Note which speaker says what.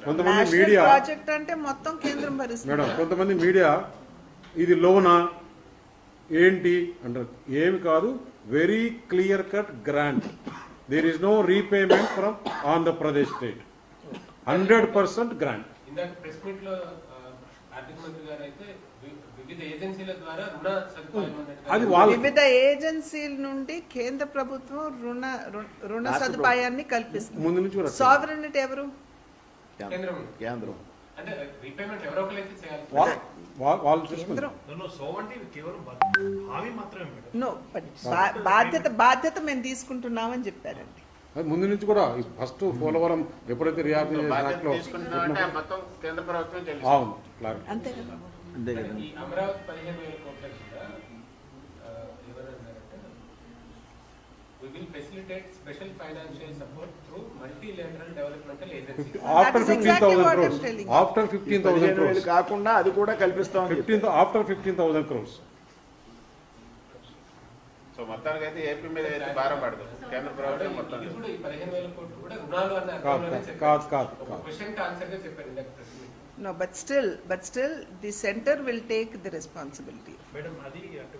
Speaker 1: కొంతమంది media
Speaker 2: project అంటే మొత్తం కేంద్రం భరిస్తుంది.
Speaker 1: మేడం కొంతమంది మీడియా ఇది లోనా ఏంటి అంటారు. ఏమి కాదు, very clear cut grant. There is no repayment from Andhra Pradesh state. 100% grant.
Speaker 3: ఇందాక ప్రెస్ మీట్ లో ఆర్థిక మంత్రి గారు అయితే వివిధ ఏజెన్సీల ద్వారా రుణ సదుపాయం
Speaker 1: అది వాళ్ళ
Speaker 2: వివిధ ఏజెన్సీల నుండి కేంద్ర ప్రభుత్వం రుణ సదుపాయాన్ని కల్పిస్తుంది.
Speaker 1: ముందు నుంచి కూడా
Speaker 2: సావరెనిటీ ఎవరు?
Speaker 4: కేంద్రం.
Speaker 3: అంటే రీపేమెంట్ ఎవరో ఒకరైతే చేయాలి.
Speaker 1: వాళ్ళు చూసుకుంటారు.
Speaker 2: నో బాధ్యత మేము తీసుకుంటున్నామని చెప్పారండి.
Speaker 1: ముందు నుంచి కూడా ఫస్ట్ పోలవరం ఎప్పుడైతే రియాక్ట్
Speaker 4: మొత్తం కేంద్ర ప్రభుత్వం చెల్లిస్తుంది.
Speaker 1: అవును క్లారిటీ.
Speaker 2: అంతే కదా.
Speaker 4: అంతే కదా.
Speaker 3: ఈ అమరావతి 15,000 కోట్ల కూడా ఎవరన్నారంటే we will facilitate special financial support through multilateral developmental agencies.
Speaker 1: After
Speaker 2: That is exactly
Speaker 1: 15,000
Speaker 2: what I'm
Speaker 1: crores.
Speaker 2: telling you.
Speaker 1: After 15,000
Speaker 4: 15,000
Speaker 1: crores.
Speaker 4: కాకుండా అది కూడా కల్పిస్తామని చెప్పారు.
Speaker 1: After 15,000 crores.
Speaker 4: సో మొత్తానికి అయితే ఏపీ మీద అయితే భారం పడదు కేంద్ర ప్రభుత్వం మొత్తం.
Speaker 3: ఇది కూడా ఈ 15,000 కోట్లు కూడా రుణాలు అన్న అర్థంలోనే
Speaker 1: కాదు
Speaker 3: చెప్పారు.
Speaker 1: కాదు
Speaker 3: ఒక
Speaker 1: కాదు.
Speaker 3: క్వశ్చన్ కి ఆన్సర్ గా చెప్పారు ఇందాక press meet.
Speaker 2: No, but still, the center will take the responsibility.
Speaker 5: Madam అది